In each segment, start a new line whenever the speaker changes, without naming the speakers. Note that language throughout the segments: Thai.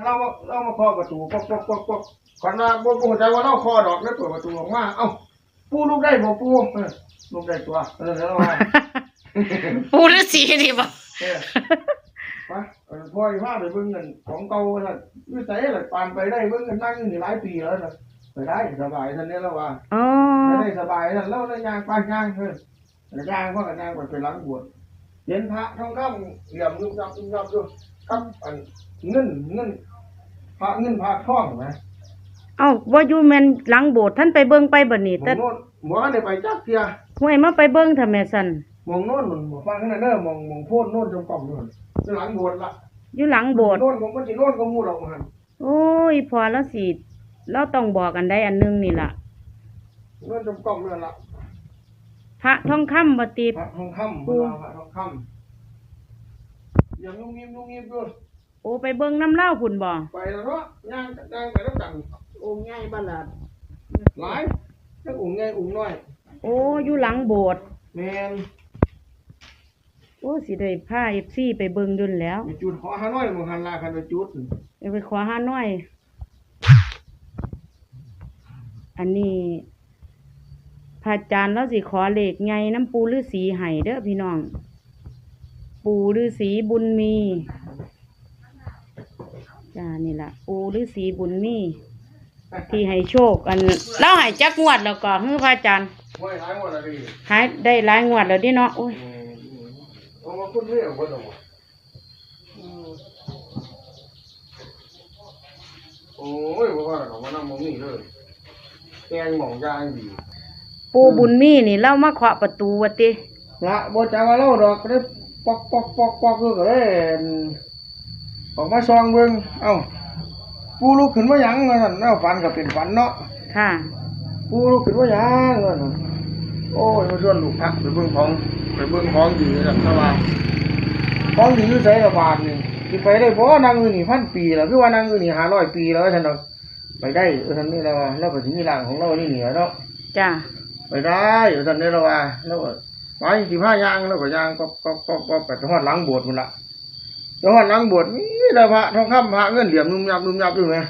เรามาเคาะประตูปอกขวัญว่าบ่เข้าใจว่าเราเคาะดอกแล้วเปิดประตูออกมาเอ้าปูลูกได้บ่ปูลูกได้ตัวแล้วว่า
ปูฤาษีนี่บ่
ไปพ่อพาไปเบิ่งเงินของเก่าท่านอยู่ไสล่ะปานไปได้เบิ่งกันนั่งอยู่นี่หลายปีแล้วน่ะไปได้สบายท่านนี้แล้วว่า
อ๋อ
ได้สบายท่านแล้วได้ย่างไปย่างย่างพ่อก็ย่างไปหลังบวชเห็นพระทองคำเหลี่ยมยุบยับอยู่ครับอันเงินพระเงินพระทองนะ
เอ้าบ่อยู่แม่นหลังโบสถ์ท่านไปเบิ่งไปบัดนี้แต่
หมอได้ไปจักเที่ย
ห้วยมาไปเบิ่งถ้าแม่ซั่น
มองโน่นมันฟังนั่นเด้อมองโพดโน่นจมกล่อมนู่นหลังโบสถ์ละ
อยู่หลังโบสถ์
โน่นมันสิโน่นก็มูดออกหั่น
โอ้ยพอแล้วสิเราต้องบอกกันได้อันนึงนี่ล่ะ
โน่นจมกล่อมนั่นล่ะ
พระทองคำบ่ติ
พระทองคำพระทองคำอย่างนุ่งยิ้มด้วย
โอ้ไปเบิ่งน้ำเล่าพุ่นบ่
ไปแล้วเนาะย่างไปแล้วกัน
องค์ใหญ่บ่ล่ะ
หลายทั้งองค์ใหญ่องค์น้อย
โอ้อยู่หลังโบสถ์
แม่น
โอ้สิได้พา FC ไปเบิ่งดุนแล้ว
จุดขอหาน้อยบ่หันลาคันไปจุด
ไปขอหาน้อยอันนี้พระอาจารย์เราสิขอเลขใหญ่น้ำปูฤาษีให้เด้อพี่น้องปูฤาษีบุญมีจ้านี่ล่ะปูฤาษีบุญมีที่ให้โชคอันเราให้จักงวดแล้วก็ฮือพระอาจารย์
หวยหลายงวดแล้วดิ
หายได้หลายงวดแล้วดิเนาะโอ้ย
เอามาคุณเรียกบ่ดอกโอ้ยบ่ว่าดอกมันนำบ่มีเลยแกงหม่องยางดี
ปูบุญมีนี่เรามาเคาะประตูว่าติ
ละบ่จักว่าเราดอกก็ได้ปอกคือก็ได้ออกมาซองเบิ่งเอ้าปูลุกขึ้นมาหยังนั่นฝันก็เป็นฝันเนาะ
ค่ะ
ปูลุกขึ้นมาหยังนั่นโอ้ยมาชวนลูกพักไปเบิ่งของดีนั่นซะว่าของดีอยู่ไสละบาทนี่สิไปได้บ่นางอื่นนี่1,000 ปีแล้วคือว่านางอื่นนี่500 ปีแล้วซั่นดอกไปได้ซั่นนี่แล้วว่าแล้วก็สิมีร่างของเรานี่เหนือเนาะ
จ้า
ไปได้ซั่นนี่แล้วว่าแล้วไปสิพาย่างแล้วก็ย่างก็ไปฮอดหลังโบสถ์พุ่นล่ะจังหวัดหลังโบสถ์มีแต่พระทองคำพระเงินเหลี่ยมนุ่มยับอยู่ไหม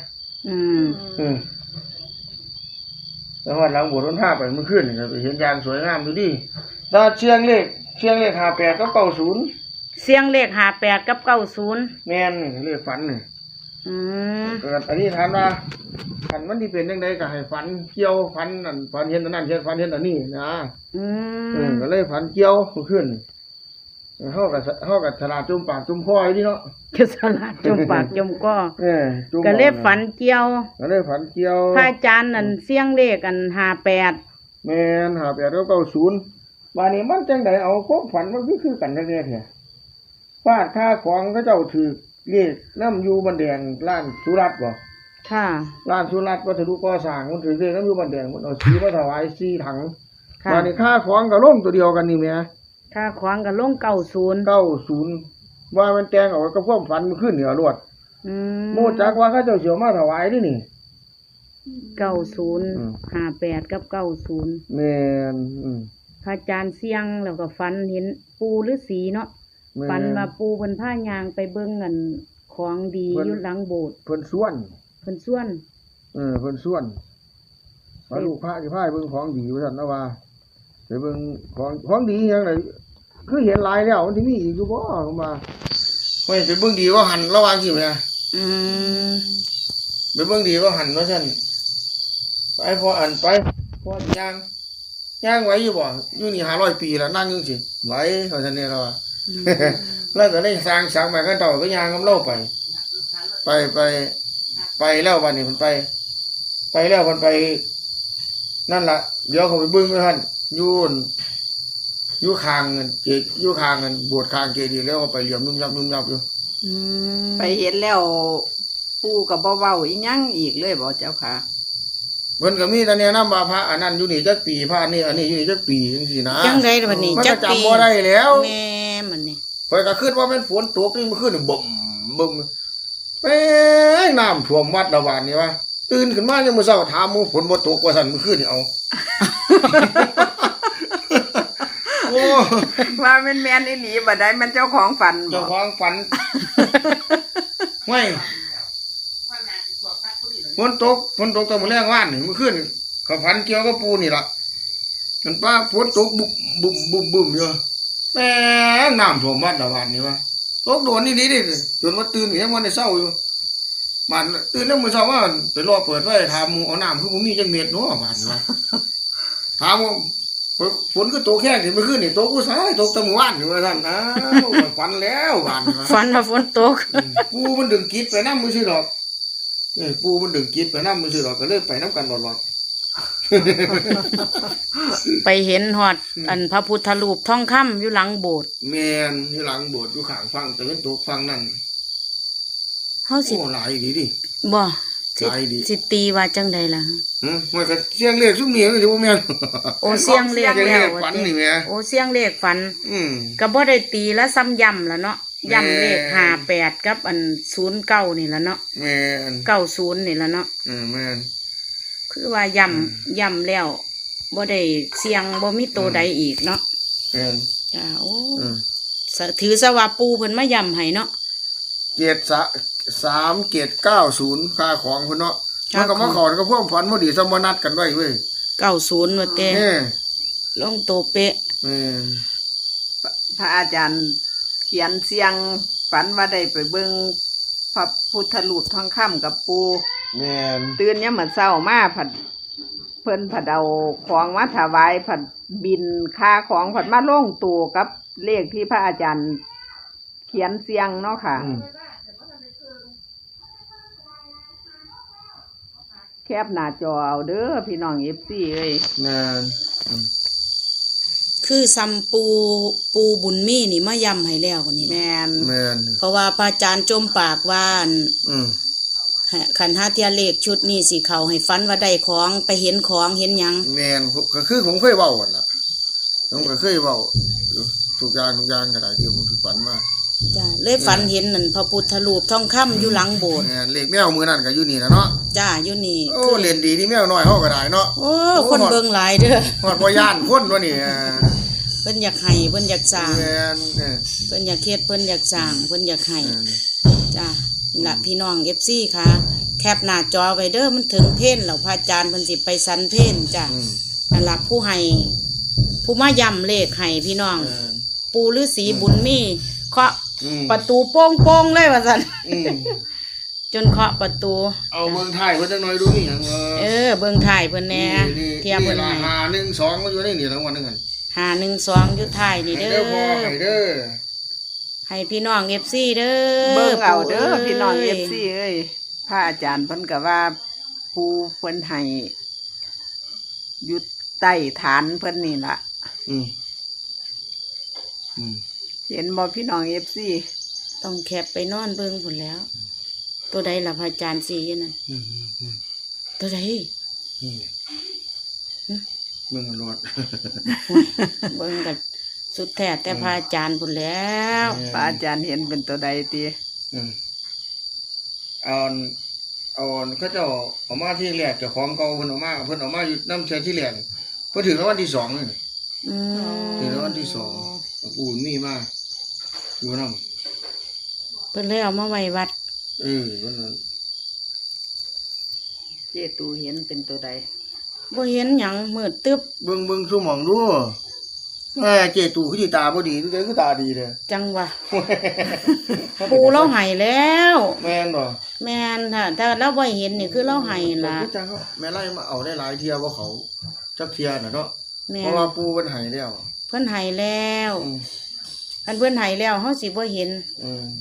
จังหวัดหลังโบสถ์พาไปเมื่อคืนนี่ไปเห็นยานสวยงามดูดิตาเชียงเลข58กับ90
เสียงเลข58กับ90
แม่นเลขฝันนี่เกิดอันนี้ถามว่าฝันมันที่เป็นจังไดก็ให้ฝันเกี่ยวฝันนั่นฝันเห็นอันนั้นฝันเห็นอันนี้นะก็เลยฝันเกี่ยวเมื่อคืนเฮากับฉลาดจุ่มปากจุ่มคออยู่นี่เนาะ
คือฉลาดจุ่มปากจุ่มคอก็เลยฝันเกี่ยวพระอาจารย์นั่นเสียงเลขอัน58
แม่น58กับ90บัดนี้มันจังไดเอาความฝันมันคือกันจังได๋แท้ฟาดค่าของเขาเจ้าถือเลขนำอยู่บันแดงร้านสุรัตน์บ่
ค่ะ
ร้านสุรัตน์วัสดุก่อสร้างมันถือเลขนำอยู่บันแดงมันเอาสีมาถวาย4ถังบัดนี้ค่าของก็ลงตัวเดียวกันนี่แหม
ค่าของก็ลง
90ว่ามันแต่งออกกับความฝันมันขึ้นเหนือรวดโมจักว่าเขาเจ้าเสียวมาถวายดินี่
90 58กับ90
แม่น
พระอาจารย์เสียงแล้วก็ฝันเห็นปูฤาษีเนาะฝันว่าปูเพิ่นพายางไปเบิ่งเงินของดีอยู่หลังโบสถ์
เพิ่นส่วน
เพิ่นส่วน
ว่าลูกพระสิพาไปเบิ่งของดีว่าซั่นนะว่าไปเบิ่งของดีหยังไดคือเห็นหลายแล้วมันสิมีอีกอยู่บ่ผมว่าเฮ้ยไปเบิ่งดีว่าหันระวังสิแม่ไปเบิ่งดีว่าหันว่าซั่นไปพอย่างไว้อยู่บ่อยู่นี่500 ปีแล้วนั่งอยู่สิไหวว่าซั่นนี่ล่ะว่าแล้วก็ได้สร้างไปกันต่อก็ย่างกับเราไปแล้ววันนี้มันไปแล้วมันไปนั่นล่ะเดี๋ยวเขาไปเบิ่งว่าซั่นอยู่ข้างเงินโบสถ์ข้างเจดีย์แล้วก็ไปเหลี่ยมนุ่มยับอยู่
ไปเห็นแล้วปู่ก็บ่เว้าอีหยังอีกเลยบ่เจ้าค่ะ
เพิ่นก็มีแต่แนะนำว่าพระอันนั้นอยู่นี่จักปีพระอันนี้อยู่นี่จักปีจังซี่นะ
จังได๋บัดนี้
จักปีจำบ่ได้แล้ว
แม่มันนี่
ข้อยก็คิดว่ามันฝนตกนี่มันขึ้นบ่มไปน้ำท่วมวัดละบาดนี่ว่าตื่นขึ้นมายามมื้อเช้าถามหมู่ฝนบ่ตกว่าซั่นมื้อคืนนี่เอาโอ้
ว่าแม่นอีหลีบ่ได้มันเจ้าของฝันบ่
เจ้าของฝันห้วยฝนตกตอนมื้อแรงว่านนี่มื้อคืนก็ฝันเกี่ยวกับปูนี่ล่ะมันป้าฝนตกบุ่มอยู่แม่งน้ำท่วมวัดละวันนี่วะตกโดนนี่ดิจนว่าตื่นก็ยังบ่ได้เช้าอยู่มันตื่นแล้วมื้อเช้าว่าไปรอเปิดไว้ถามหมู่เอาน้ำคือบ่มีจังเม็ดเนาะบาดนี้วะถามว่าฝนก็ตกแค่นี้เมื่อคืนนี่ตกผู้ชายตกแตะมื้อวานนี่ว่าซั่นอ้าวฝันแล้วบาดนี้วะ
ฝันว่าฝนตก
ปูมันดึงกิดไปน้ำมือซื่อดอกปูมันดึงกิดไปน้ำมือซื่อดอกก็เลยไปน้ำกันหลอด
ไปเห็นฮอดอันพระพุทธรูปทองคำอยู่หลังโบสถ์
แมนอยู่หลังโบสถ์อยู่ข้างฟังแต่เป็นตกฟังนั่น
เฮาสิ
โอ้หลายดีดิ
บ่สิ
หลายดี
สิตีว่าจังใดล่ะ
มันก็เสียงเลขซุ่มนี้มันจะบ่แม่น
โอ้เสียงเลข
เสียง
แล้
เล
ว
ขฝันนี่แหม่
โอ้เสียงเลขฝัน
อืม
ก็บ่ได้ตีแล้วซ้ำย่ำล่ะเนาะย่ำเลข
แม่
58กับอัน09นี่ล่ะเนาะ
แม่น
90นี่ล่ะเนาะ
แม่น
คือว่าย่ำแล้วบ่ได้เสียงบ่มีตัวใดอีกเนาะ
แม่น
จ้าโอ้
อืม
ถือซะว่าปูเพิ่นมาย่ำให้เนาะ
เกียรติ3เกียรติ90ค่าของพุ่นเนาะมันก็มาขอกับพวกฝันบ่ดีสมนัดกันไว้เว้ย
90ว่าแต่
แม่
ลงตัวเป๊ะ
แม่น
พระอาจารย์เขียนเสียงฝันว่าได้ไปเบิ่งพระพุทธรูปทองคำกับปู
แม่น
ตื่นเนี่ยามมื้อเช้ามาผัดเพิ่นผัดเอาของมาถวายผัดบินค่าของผัดมาลงตู่กับเลขที่พระอาจารย์เขียนเสียงเนาะค่ะ แคบหน้าจอเอาเด้อพี่น้อง FC เอ้ย
แม่น
คือซัมปูบุญมีนี่มาย่ำให้แล้วนี่แหละ
แม่น
แม่น
เพราะว่าพระอาจารย์จมปากว่าอั่น
อืม
ขันห้าเทียเลขชุดนี้สิเขาให้ฟันว่าได้ของไปเห็นของเห็นหยัง
แม่นก็คือผมเคยเว้ากันล่ะผมก็เคยเว้าอยู่ทุกอย่างก็ได้ที่ผมถูกฝันมา
จ้าเลยฝันเห็นนั่นพระพุทธรูปทองคำอยู่หลังโบสถ์
แม่นเลขแมวมือนั่นก็อยู่นี่นะเนาะ
จ้าอยู่นี่
โอ้เล่นดีที่แมวน้อยเฮาก็ได้เนาะ
โอ้คนเบิ่งหลายเด้อ
ฮอดบ่ย่านคนวะนี่
เพิ่นอยากให้เพิ่นอยากสร้าง
แม่น
เพิ่นอยากเฮ็ดเพิ่นอยากสร้างเพิ่นอยากให้จ้านี่ล่ะพี่น้อง FC ค่ะ แคปหน้าจอไว้เด้อมันถึงเพลแล้วพระอาจารย์เพิ่นสิไปสันเพลจ้านั่นล่ะผู้ให้ผู้มาย้ำเลขให้พี่น้อง ปูฤาษีบุญมีเคาะประตูโป้งๆเลยว่าซั่น จนเคาะประตู
เอาเบิ่งท้ายเพิ่นจักหน่อยดูนี่หยัง
เบิ่งถ่ายเพิ่นแหน่เทียบเพิ่น
รา
ให้
คา1 2ก็อยู่ในนี่ทั้งวันนึงกัน
512อยู่ถ่ายนี่
ให้
เด้
เด้อ
อ
พอให้เด้อ
ให้พี่น้อง FC เด้อ
เบิ่งเอาเด้อ
ปู่
พี่น้อง
ย
FC เอ้ยพระอาจารย์เพิ่นก็ว่าปูเพิ่นให้อยู่ใต้ฐานเพิ่นนี่ล่ะ
อืมอืม
เห็นบ่พี่น้อง FC
ต้องแคปไปนอนเบิ่งพุ่นแล้ว ตัวใดล่ะพระอาจารย์สิอยู่นั่น
อืม
ตัวใด
เบิ่งมันรอด
เบิ่งกันสุดแท้แต่พระอาจารย์พุ่นแล้ว
พระอาจารย์เห็นเป็นตัวใดติ
เอาเขาเจ้าเอามาที่แรกเจ้าของเก่าเพิ่นเอามาอยู่น้ำเชื้อที่แรกเพิ่นถึงรางวัลที่2นี่
อืม
ถึงรางวัลที่2ปู่มีมาอยู่นำ
เพิ่นเลยเอามาไว้วัด
วันนั้น
เจตูเห็นเป็นตัวใด
บ่เห็นหยังมืดตึ๊บ
เบิ่งซุหม่องดูเจตู่คือสิตาบ่ดีคือตาดีเด้อ
จังวะ ปูเราให้แล้ว
แม่นบ่
แม่นถ้าเราบ่เห็นนี่คือเราให้ล่ะ
คือจังเขาแม่ไล่มาเอาได้หลายเที่ยบ่เขาจักเที่ยน่ะเนาะ
แม่
เพราะว่าปู่เพิ่นให้แล้ว
เพิ่นให้แล้ว
อืม
อันเพิ่นให้แล้วเฮาสิบ่เห็น
อืม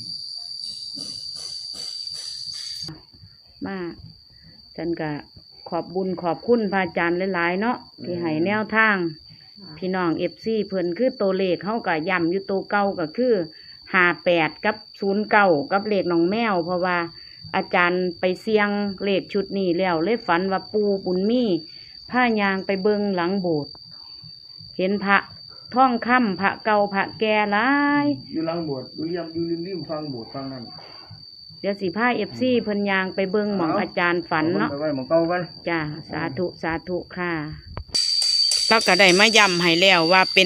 มาฉันก็ขอบบุญขอบคุณพระอาจารย์หลายๆเนาะที่ให้แนวทาง พี่น้อง FC เพิ่นคือตัวเลขเฮาก็ย้ำอยู่ตัวเก่าก็คือ58กับ09กับเลขน้องแมว เพราะว่าอาจารย์ไปเสี่ยงเลขชุดนี้แล้วเลยฝันว่าปูบุญมีพายางไปเบิ่งหลังโบสถ์เห็นพระท่องค่ำพระเก่าพระแก่หลาย
อยู่หลังโบสถ์อยู่ริมฟังโบสถ์ฟังนั่น
เดี๋ยวสิพา FC เพิ่นยางไปเบิ่งหม่องอาจารย์ฝันเนาะ
ไปไว้หม้องเก่ากัน
จ้าสาธุสาธุค่ะแล้วก็ได้มาย้ำให้แล้วว่าเป็น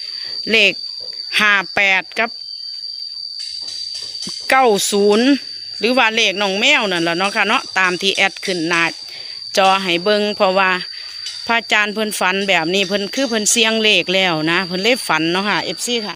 เลข58กับ90 หรือว่าเลขน้องแมวนั่นแหละเนาะค่ะเนาะตามที่แอดขึ้นหน้าจอให้เบิ่งเพราะว่าพระอาจารย์เพิ่นฝันแบบนี้เพิ่นคือเพิ่นเสียงเลขแล้วนะเพิ่นเลยฝันเนาะค่ะ FC ค่ะ